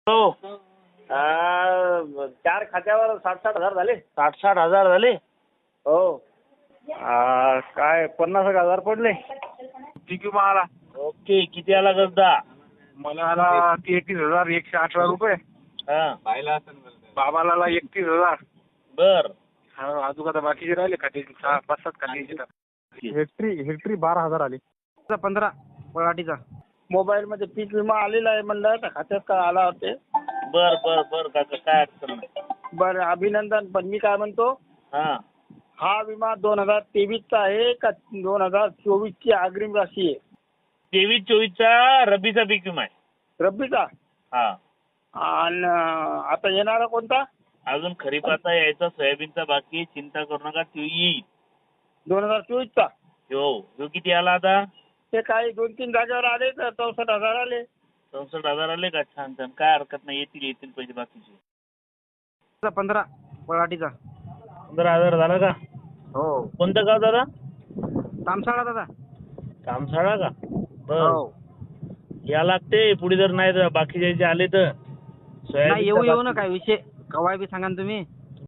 हो. चार खात्यावर 60,000 झाले. 60,000 झाले. हो. काय 50,000 पडले. पीक विमा आला. ओके. किती आला गद्दा? मला आला 33,118 रुपये. हा. बाबाला आला 31,000. बर. हा, अजून आता बाकीचे राहिले खात्याचे 5-7 खात्याचे. हेक्टरी 12,000 आले. 15 पराठीचा. मोबाईल मध्ये पीक विमा आलेला आहे म्हणलं तर खात्यात काय आला होते. बर बर बर काका, काय अडचण नाही. बरं, अभिनंदन. पण मी काय म्हणतो, हा. हा विमा 2023 चा आहे का 2024 ची अग्रिम राशी आहे? 23-24चा रब्बीचा पीक विमा आहे. रब्बीचा. हा. आणि आता येणारा कोणता? अजून खरीपाचा यायचा, सोयाबीनचा बाकी आहे. चिंता करू नका, तो येईल. 2024 चा. ह्यो किती आला आता? ते काही 2-3 जागेवर आले तर 64,000 आले. 64,000 आले का? छान छान, काय हरकत नाही. येतील पैसे बाकीचे. 15 पराठीचा. 15,000 झाला का? हो. कोणतं गाव दादा? तामसाळा दादा. कामसाळा का? बर. हो. या लागते पुढे, जर नाही तर बाकीचे आले तर नाही, येऊ ना, काय विषय कवाय बी सांगा ना तुम्ही.